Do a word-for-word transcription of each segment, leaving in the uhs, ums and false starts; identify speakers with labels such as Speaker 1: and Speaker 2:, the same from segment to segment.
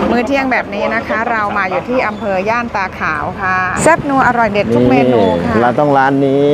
Speaker 1: มื้อเที่ยงแบบนี้นะคะ เรามาอยู่ที่อำเภอย่านตาขาวค่ะแซ่บนัวอร่อยเด็ดทุกเมนูค่ะ
Speaker 2: เราต้องร้านนี้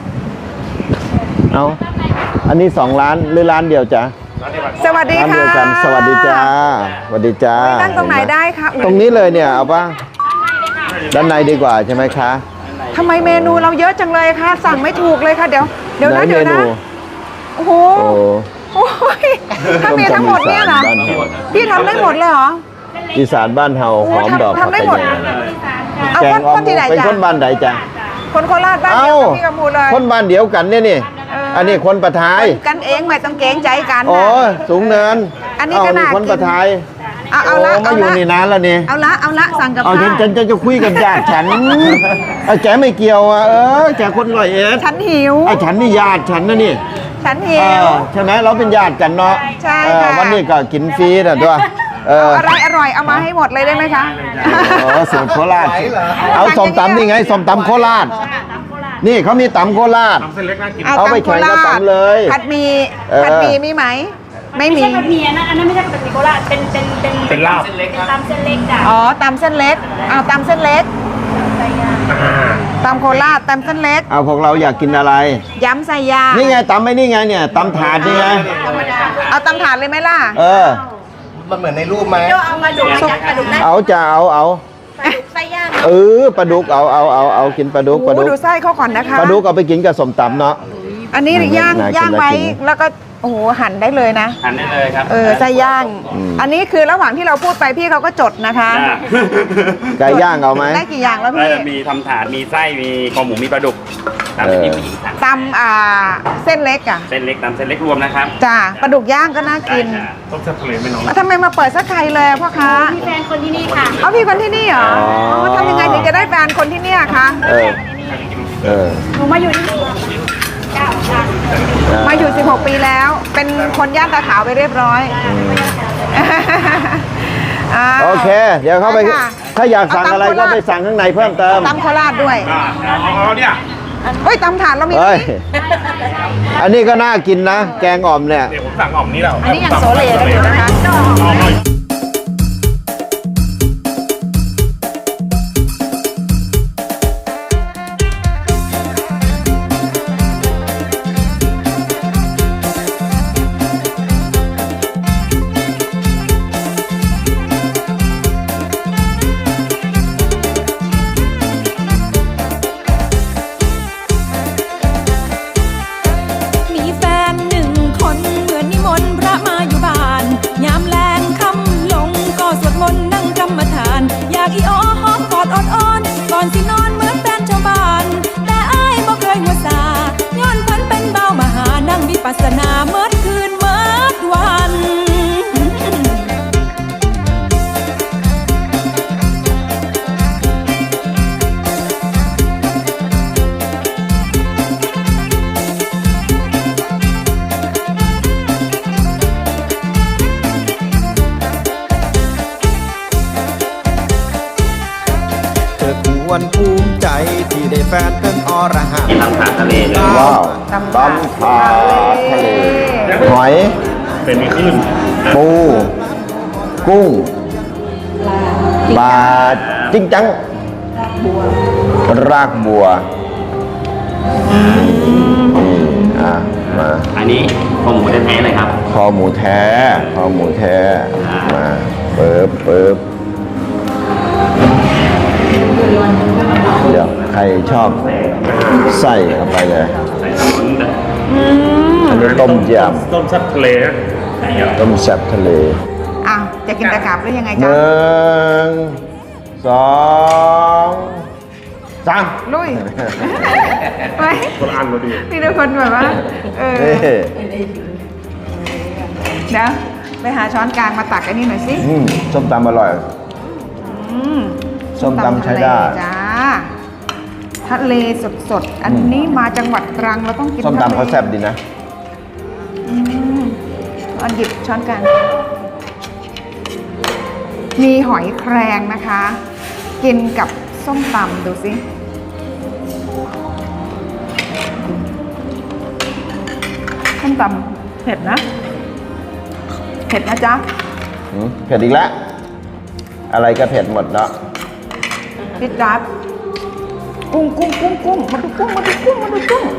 Speaker 2: เอาอันนี้สองร้านหรือร้านเดียวจ้ะ
Speaker 1: สวัสดีค่ะ
Speaker 2: ร้านเดียวกันสวัสดีจ้าสวัสดีจ้า
Speaker 1: นั่งตรงไหนได้คะ
Speaker 2: ตรงนี้เลยเนี่ยเอาป่ะด้านในดีกว่าใช่ไหมคะ
Speaker 1: ทำไมเมนูเราเยอะจังเลยคะสั่งไม่ถูกเลยค่ะเดี๋ยวเดี๋ยวนะเดี๋ยวนะโอ้โหโอ้ยถ้ามีทั้งหมดเนี่ยนะพี่ทำได้หมดเลยเหรอ
Speaker 2: อีสานบ้านเฮาหอมดอก
Speaker 1: ทำได้หมดเอาคนคนที่ไหนจ้ะ
Speaker 2: เป็นคนบ้านใดจ้ะ
Speaker 1: คนโคราชบ้านเดียวกับพี่กำพูเลย
Speaker 2: คนบ้านเดียวกันเนี่ยนี่อันนี้คนประทาย
Speaker 1: กันเองไม่ต้องเกรงใจกัน
Speaker 2: โอ้สูงเนิน
Speaker 1: อันนี้ก็น่ากิน
Speaker 2: คนประทาย
Speaker 1: เอาเอาละ
Speaker 2: มาอยู่นี่นานแล้วนี่
Speaker 1: เอาละเอาละสั่งกับ
Speaker 2: ข้าวฉันฉันจะคุยกับญาติฉันแกไม่เกี่ยวอ่ะเออแกคนร้อยเอ็ด
Speaker 1: ฉันหิว
Speaker 2: ไอ้ฉันนี่ญาติฉันนะนี่
Speaker 1: ฉันหิว
Speaker 2: ใช่ไหมเราเป็นญาติกันเนาะ
Speaker 1: ใช่ค่ะ
Speaker 2: วันนี้ก็กินฟรีนะด้วย
Speaker 1: อะไรอร่อยเอามาให้หมดเลยได้ไหมคะ
Speaker 2: โอ้สูตรโคราชเอาส้มตำนี่ไงส้มตำโคราชนี่เขามีตำโคราชเอาไปแข่งก็ตำเลย
Speaker 1: ผัดหมี่ผัดหมี่มีไหมไม่มี
Speaker 3: ไม่ใช่ผัดหมี่นะอันนั้นไม่ใช่ผัดหมี่โคราชเป็นเป็นเป็น
Speaker 4: เป็นลาบ
Speaker 3: เป็นตำเส้นเล็กจ้ะ
Speaker 1: อ๋อตำเส้นเล็กเอาตำเส้นเล็กตำโคราชตำเส้นเล็ก
Speaker 2: เอาพวกเราอยากกินอะไร
Speaker 1: ยำใส่ยา
Speaker 2: นี่ไงตำไม่นี่ไงเนี่ยตำถาดนี่ไง
Speaker 1: เอาตำถาดเลยไหมล่ะ
Speaker 2: เออ
Speaker 4: มันเหมือนในรูปไหม
Speaker 3: เอามาดูปลาดุกได้
Speaker 2: เอาจะเอาเอา
Speaker 3: ปลาดุกไส้ย่าง
Speaker 2: เออปลาดุกเอาเอาเอาเอากินปลาดุกปลาดุก
Speaker 1: ดูไส้เขาก่อนนะคะ
Speaker 2: ปลาดุกเอาไปกินกับสมตำเนาะ
Speaker 1: อันนี้ย่างย่างไว้แล้วก็โอ้โหหั่นได้เลยนะ
Speaker 4: หั่นได้เลยครับ
Speaker 1: เออไส้ย่างอันนี้คือระหว่างที่เราพูดไปพี่เขาก็จดนะคะ
Speaker 2: ไก่ย่างเอาไหม
Speaker 1: ได้กี่อย่างแล้วพี่
Speaker 4: มีทำถาดมีไส้มีคอหมูมีปลาดุกตำเป็นผู้หญิง
Speaker 1: ตำอ่าเส้นเล็กอ่ะ
Speaker 4: เส้นเล็กตำเส้นเล็กรวมนะครับ
Speaker 1: จ้าปลาดุกย่างก็น่ากิน
Speaker 4: ต้มแซ่บทะเลไม่น้อง
Speaker 1: ทำไมมาเปิดสักไทยเลยพ่อค้า
Speaker 3: มีแฟนคนที่นี่ค่ะ
Speaker 1: เอาพี่คนที่นี่เหรอทำยังไงถึงจะได้แฟนคนที่นี่คะ
Speaker 2: เออเออ
Speaker 3: หนูมาอยู่ที่นี่
Speaker 1: มาอยู่สิบหกปีแล้วเป็นคนย่านตาขาวไปเรียบร้อย
Speaker 2: โอเคเดี๋ยวเข้าไปถ้าอยากสั่งอะไรก็ไปสั่งข้างในเพิ่มเติม
Speaker 1: ตำโคราชด้วย
Speaker 4: อ๋อเนี่ย
Speaker 1: เฮ้ยตำถาดเรามี
Speaker 2: อันนี้ก็น่ากินนะแกงอ่อมเนี่ย
Speaker 4: เดี๋ยวผมสั่งอ่อมนี้แล้ว
Speaker 1: อันนี้อย่างโซเลกันอยู่นะคะ
Speaker 5: อีอ้อหอมกอดอ่อนๆก่อนสินอนเหมือนแฟนชาวบ้านแต่อ้ายบ่เคยหัวซาย้อนเพิ่นเป็นเบามหานั่งวิปัสสนาเมื่อคืนเมื่อวัน
Speaker 6: ควรภูมิใจที่ได้แฟนเป็นอรหันต์
Speaker 4: ตำถาดทะเล
Speaker 2: ว้าวตำถาดทะเลหอย
Speaker 4: เป็นมีขึ้น
Speaker 2: ปูกุ้งปลาจิ้งจังรากบัวนี่อ่ะมา
Speaker 4: อันนี้คอหมูแท้ๆเลยครับ
Speaker 2: คอหมูแท้คอหมูแท้มาเปิบเปิบเดี๋ยวใครชอบไส้เข้าไปเลยอันนี้ต้มยำ
Speaker 4: ต้มแซ่บทะเล
Speaker 2: ต้มแซ่บทะเล
Speaker 1: อ้าวจะกินตะขาบหรือยังไงจ๊ะ
Speaker 2: หนึ่งสองสาม
Speaker 1: ลุยไป
Speaker 4: คนอ่านมาดี
Speaker 1: นี่ทุกคนแบบว่าเออเดี๋ยวไปหาช้อนกลางมาตักอันนี้หน่อยสิ
Speaker 2: ส้มตำอร่อยส้มตำใช้ได้
Speaker 1: จ้าทะเลสดๆอันนี้มาจังหวัดตรังเราต้องกิน
Speaker 2: ส้มตำเขาแซ่บดีนะ
Speaker 1: อันหยิบช้อนกลางมีหอยแครงนะคะกินกับส้มตำดูสิส้มตำเผ็ดนะเผ็ดนะจ๊ะ
Speaker 2: เผ็ดอีกแล้วอะไรก็เผ็ดหมดเนาะ
Speaker 1: พี่จับกุ้งกุ้งกุ้งกุ้งมาดูกุ้งมาดูกุ้งมาดูกุ้ง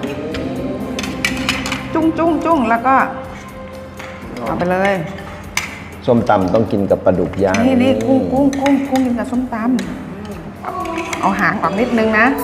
Speaker 1: จุ้งจุ้งจุ้งแล้วก็เอาไปเลย
Speaker 2: ส้มตำต้องกินกับปลาดุกย่าง
Speaker 1: นี่นี่กุ้งกุ้งกุ้งกุ้งกินกับส้มตำเอาหางออกนิดนึงนะ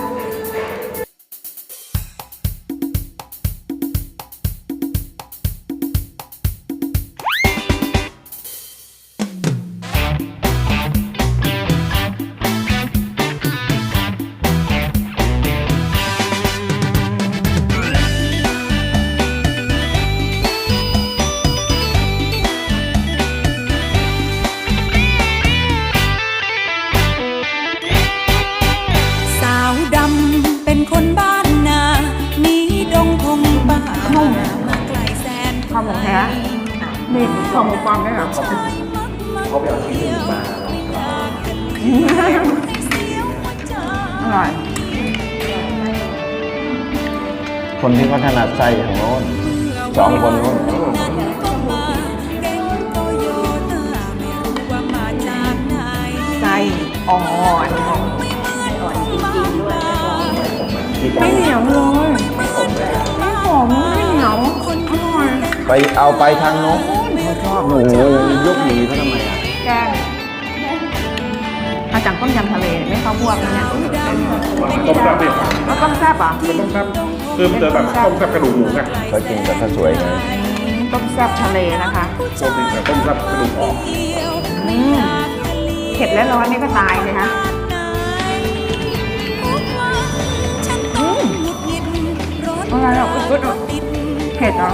Speaker 5: สาวดำเป็นคนบ้านนาหนีดงพงป่ามาไกลแสน
Speaker 1: ข้าวหมูแท้นี่ข้าวหมูฟองได้เหรออร่อย
Speaker 2: คนที่เขาถนัดไส้ทางโน้นสองคนโน้น
Speaker 1: ไส้อ่อนไม่เหนียวเลยไม่หอมไม่เหนียวอร่อย
Speaker 2: ไปเอาไปทางโน้นเขาชอบโอ้โหยกหนีเขาทำไมอ่ะ
Speaker 1: แกงมาจากต้มยำทะเลไม่เข้าพวกนะเนี่ย
Speaker 7: ต้มแซ่บดิ
Speaker 1: แล้วต้มแซ่บเหรอ่ะ
Speaker 7: เป็นต้มแซ่บคือมันจะแบบต้มแซ่บกระดูกหมูไง
Speaker 2: เขากินกับข้าวสวยไง
Speaker 1: ต้มแซ่บทะเลนะคะ
Speaker 7: ปกติแบบต้มแซ่บกระดูกออก
Speaker 1: อืมเผ็ดและร้อนนี่ก็ตายเลยคะอืมอะไรอ่ะอุ๊ยเผ็ดเหรอ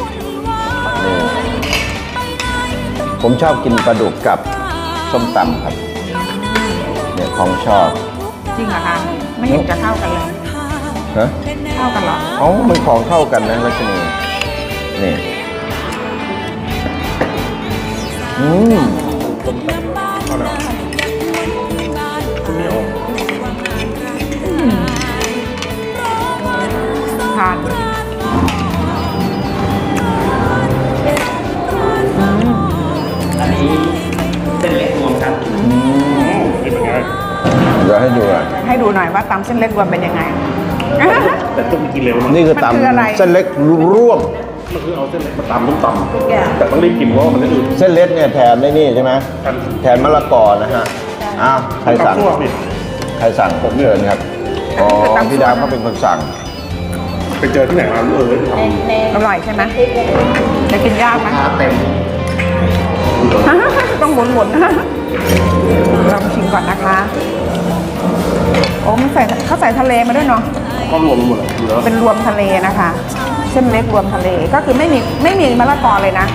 Speaker 2: ผมชอบกินปลาดุกกับส้มตำครับเนี่ยของชอบ
Speaker 1: จริงเหรอคะไม่เห็นจะเข้ากันเลย
Speaker 2: ฮะ
Speaker 1: เข้ากันเหรอ
Speaker 2: เอ้ามันของเข้ากันนะรัชนีนี่อืม
Speaker 1: ทาน
Speaker 4: อันนี้เส้นเล็กรวมครับ
Speaker 7: นี่เป็นไง
Speaker 2: เดี๋ยวให้ดูอ่ะ
Speaker 1: ให้ดูหน่อยว่าตำเส้นเล็กรวมเป็นยังไง
Speaker 7: แต่ต้องกินเร็วนะ
Speaker 2: นี่คือ
Speaker 1: มันคืออะไร
Speaker 2: ตำเส้นเล็กร่วม
Speaker 7: มันคือเอาเส้นเล็กมาตำต้มตำแต่ต้องรีบกินเพราะว่ามันจะอืด
Speaker 2: เส้นเล็กเนี่ยแทนได้นี่ใช่ไหมแทนมะละกอนะฮะอ้าวใครสั่ง
Speaker 7: ข้าวคั่วนี่
Speaker 2: ใครสั่งผมเชิญครับอ๋อพี่ดาวเขาเป็นคนสั่ง
Speaker 7: ไปเจอที่ไหนมาเออท
Speaker 1: อร่อยใช่ไหมจะกินยากไหม
Speaker 2: เต็ม
Speaker 1: ต้องหมุนหมุนๆลองชิมก่อนนะคะ โอ้มันใส่เขาใส่ทะเลมาด้วยเนาะ
Speaker 7: ำก็รวมหมดเลยเหลือ
Speaker 1: เป็นรวมทะเลนะคะ เส้นเล็กรวมทะเลก็คือไม่มีไม่มีมะละกอเลยนะ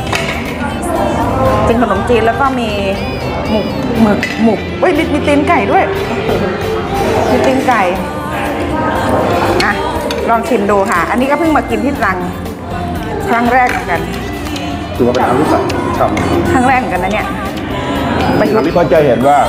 Speaker 1: เป็นขนมจีนแล้วก็มีหมูหมึกหมูเอ้ยมีมีตีนไก่ด้วยมีตีนไก่อ่ะลองชิมดูค่ะ อันนี้ก็เพิ่งมากินที่ตรังครั้งแรกเหมือนกัน
Speaker 7: ถือว่าเป็นอาหารที่ใส่ฉ่
Speaker 1: ครั้งแรกเหมือนกันนะเนี่ยประยุกต์
Speaker 2: ก็จะเห็นว่า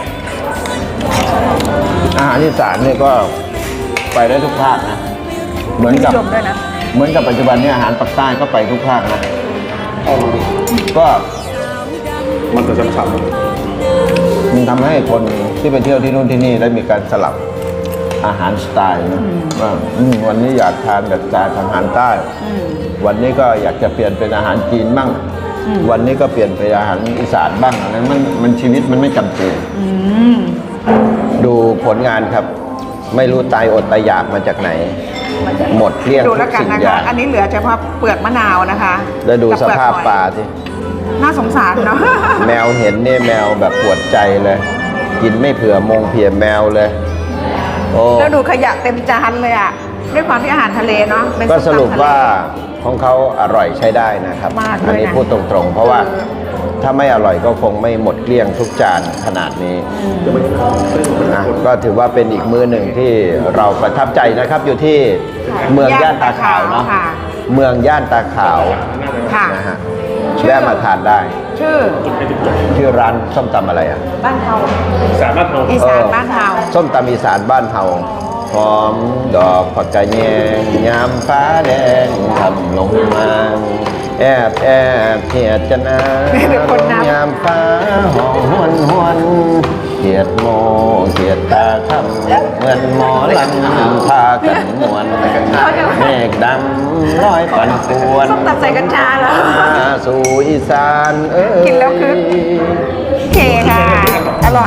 Speaker 2: อาหารอีสานเนี่ยก็ไปได้ทุกภาคนะ เหมือนกับ
Speaker 1: นิยมด้วยนะ
Speaker 2: เหมือนกับปัจจุบันเนี่ยอาหารปักใต้ก็ไปทุกภาคนะ
Speaker 7: ำเอา
Speaker 2: ก็
Speaker 7: มันจะฉ่ำ
Speaker 2: มันทำให้คนที่ไปเที่ยวที่นู่นที่นี่ได้มีการสลับอาหารสไตล์นะว่าอืมวันนี้อยากทานแบบสไตล์อาหารใต้ วันนี้ก็อยากจะเปลี่ยนเป็นอาหารจีนบ้าง วันนี้ก็เปลี่ยนเป็นอาหารอีสานบ้างนั้นมันมันชีวิตมันไม่จำเป็นดูผลงานครับ ไม่รู้ตายอดตายอยากมาจากไหน หมดเกลี้ยง
Speaker 1: ดู
Speaker 2: ทุ
Speaker 1: แล้ว
Speaker 2: ก
Speaker 1: กัน
Speaker 2: สิ่ง
Speaker 1: นะ
Speaker 2: อ
Speaker 1: คะ
Speaker 2: ย่าง
Speaker 1: อันนี้เหลือเฉพาะเปลือกมะนาวนะคะ
Speaker 2: แล้วดู
Speaker 1: กับ
Speaker 2: ส
Speaker 1: เลือก
Speaker 2: ภาพ
Speaker 1: หอย
Speaker 2: ปลาสิ
Speaker 1: น่าสงสารเนาะ
Speaker 2: แมวเห็นเนี่ยแมวแบบปวดใจเลย กินไม่เผื่อมงเผื่อแมวเลย โอ้
Speaker 1: แล้วดูขยะเต็มจานเลยอ่ะด้วยความที่อาหารทะเลเนาะเป็น
Speaker 2: ก็ส
Speaker 1: ส้มตำ
Speaker 2: รุป
Speaker 1: ทะเล
Speaker 2: ว่าของเขาอร่อยใช้ได้นะครับ
Speaker 1: มากเลยนะ
Speaker 2: อันี้พูดตรงๆ เพราะว่าถ้าไม่อร่อยก็คงไม่หมดเกลี้ยงทุกจานขนาดนี้นะก็ถือว่าเป็นอีกมื้อหนึ่งที่เราประทับใจนะครับ อยู่ที่เมืองย่านตาขาวเนาะ
Speaker 1: ค่ะ
Speaker 2: เมืองย่านตาขาว
Speaker 1: ค่ะ
Speaker 2: นะฮะแวะมาทานได้
Speaker 1: ชื่อ
Speaker 2: ชื่อร้านส้มตำอะไรอ่ะ
Speaker 1: บ้านเฮา
Speaker 7: สามารถเอา
Speaker 1: อีสานบ้านเฮา
Speaker 2: ส้มตำอีสานบ้านเฮาหอมดอกผักกาดแยงยามฟ้าแดงทำลงมาแอบแอบเขียดจะนา
Speaker 1: เดี๋ยวคนนับ
Speaker 2: ยามฟ้าห้องหวนหวนเขียดโมเขียดตาคำเหมือนหมอลำพากันมวนเมฆดำลอยปั่นป่วน
Speaker 1: ส้มตำใส่กัญชาเหรอ
Speaker 2: มาสู่อีสานเอ้ย
Speaker 1: กินแล้วคึก โอเคค่ะ อร่อย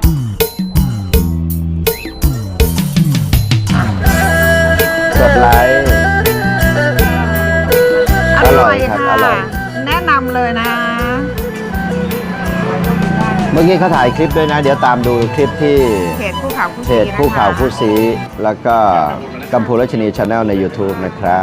Speaker 2: กดไลค์
Speaker 1: อร่อย
Speaker 2: ครับ
Speaker 1: ค่ะ
Speaker 2: อร่อย
Speaker 1: แนะนำเลยนะ
Speaker 2: เมื่อกี้เขาถ่ายคลิปด้วยนะ เดี๋ยวตามดูคลิปที่
Speaker 1: เพจคู่ข่าวคู่
Speaker 2: เพ
Speaker 1: สี
Speaker 2: จคู่ข่าวคู่สีแล้วก็กัมพูรัชนีชาแนลใน YouTube นะครับ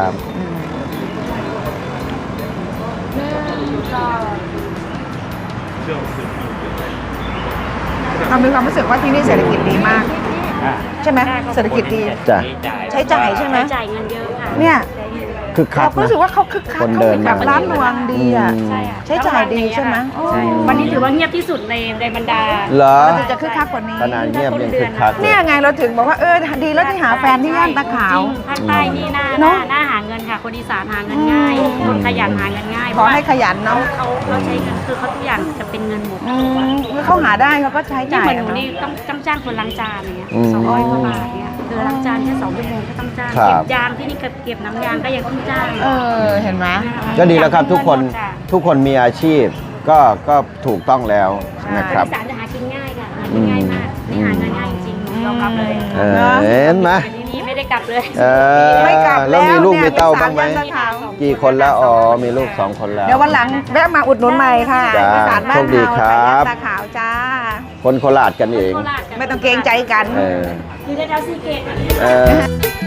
Speaker 1: เรามีความรู้สึกว่าที่นี่เศรษฐกิจดีมาก ใช่ไหมเศรษฐกิจดี
Speaker 2: จ้ะ
Speaker 1: ใช้จ่ายใช่ไหม
Speaker 3: จ่ายเงินเยอะค่ะ
Speaker 1: เนี่ย
Speaker 2: คึกคั
Speaker 1: เรา
Speaker 2: ก
Speaker 1: ก็
Speaker 2: นะ
Speaker 1: รู้สึกว่าเขาคึกคัก
Speaker 2: คน
Speaker 1: เขา
Speaker 2: เดิน
Speaker 1: มีแบบร้านรวงดีอ่ะ
Speaker 2: อืม
Speaker 1: ใช้จ่ายดีใช่ไหมโอ้
Speaker 3: วันนี้ถือว่าเงียบที่สุดในในบรรดา
Speaker 2: เหรอ
Speaker 1: มันจะคึกคักกว่านี้
Speaker 2: ขนาดเงียบยังคึกคักเล
Speaker 1: เนี่ย ยไงเราถึงบอกว่าเออดีแล้วที่หาแฟนที่ย่านตะขาว
Speaker 3: ภาคใต้นี่หน้าห
Speaker 1: เน
Speaker 3: น้า
Speaker 1: อะ
Speaker 3: หน้าหาเงินค่ะ คนอีสานหาเงินง่าย คนขยันหาเงินง่าย
Speaker 1: ขอให้ขยันเนาะ
Speaker 3: เขาเขาใช้เงินคือเขาทุกอย่างจะเป็นเงินหมด
Speaker 1: อืมเขาหาได้เขาก็ใช้
Speaker 3: นี่
Speaker 1: จ่าย
Speaker 3: เหมือนหนู
Speaker 1: อะเนาะ
Speaker 3: นี่ต้องต้องจ้างคนล้างจานอย่างเงี้ย
Speaker 2: อืม
Speaker 3: สองร้อยกว่าบาทเนี่ยคือล้างจานแค่สองชั่วโมงก็ต้องจ้าง
Speaker 2: ครั
Speaker 3: เก็
Speaker 2: บ
Speaker 3: บยางที่นี่ก็เก็บน้ำยางก็ยังต้องจ้าง
Speaker 1: เออเห็นไหม
Speaker 2: ก็ดีแล้วครับทุกคนทุกคนมีอาชีพก็ก็ถูกต้องแล้วนะครับ
Speaker 3: อีสานจะหากินง่ายค่ะหากินง่ายมากนี่หาเงินง่ายจริงๆยอมรับเลย
Speaker 2: เออเห็นไหม
Speaker 3: ที่นี่ไม่ได้กลับเลย
Speaker 2: เออ
Speaker 1: ไม่กลับ
Speaker 2: แล้วมีลูก
Speaker 1: เนี่
Speaker 2: มี
Speaker 1: ย
Speaker 2: เต้าบ้างไหม
Speaker 1: อีสนย่นตะขาว
Speaker 2: กี่คนแล้วอ๋อมีลูกสองคนแล้ว
Speaker 1: เดี๋ยววันหลังแวะมาอุดหนุนใหม่ค่ะ
Speaker 2: จ้า
Speaker 1: อีสานบ้าน
Speaker 2: โชคดี
Speaker 1: เรา
Speaker 2: ครับ
Speaker 1: ตะตาขาวจ้า
Speaker 2: คนโคราชกันเอง
Speaker 3: โคราชกัน
Speaker 1: ไม่ต้องเกรงใจกัน
Speaker 2: เออ
Speaker 3: อยู่ในแถวซีเกต
Speaker 2: เออ